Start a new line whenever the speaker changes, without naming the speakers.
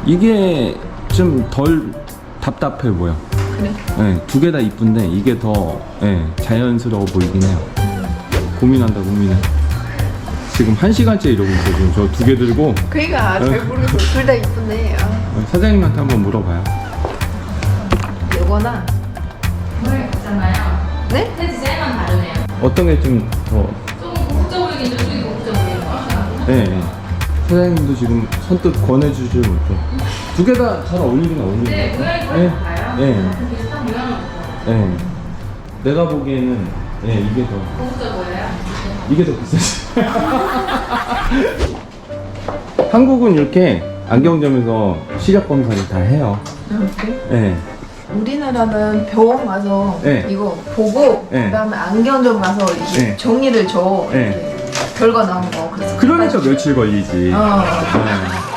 이게 좀 덜 답답해 보여.
그래?
네, 두 개 다 이쁜데 이게 더 자연스러워 보이긴 해요. 고민한다 고민해. 지금 1시간째 이러고 있어. 지금 저 두 개 들고
그니까 잘 모르겠어. 둘 다 이쁜데.
사장님한테 한번 물어봐요.
요거나
모양이 같잖아요.
네?
근데 디자인만 다르네요.
어떤 게 좀 더?
조금 고급져 보이긴 저쪽이 고급져 보이는 것 같아요.
네. 사장님도 지금 선뜻 권해주질 못해. 두 개 다 잘 어울리긴 어울리는
네,
것
모양이
같아.
거의 같아요.
네.
비슷한 모양은 없어요.
네. 내가 보기에는 이게 더
고급져 보여요?
이게 더 비싸지. 한국은 이렇게 안경점에서 시력 검사를 다 해요.
그래?
네.
우리나라는 병원 가서
네.
이거 보고
네.
그다음에 안경점 가서 이렇게
네.
정리를 줘.
네.
이렇게 결과 나온 거. 그래서
그러니까 며칠 걸리지.
어.
네.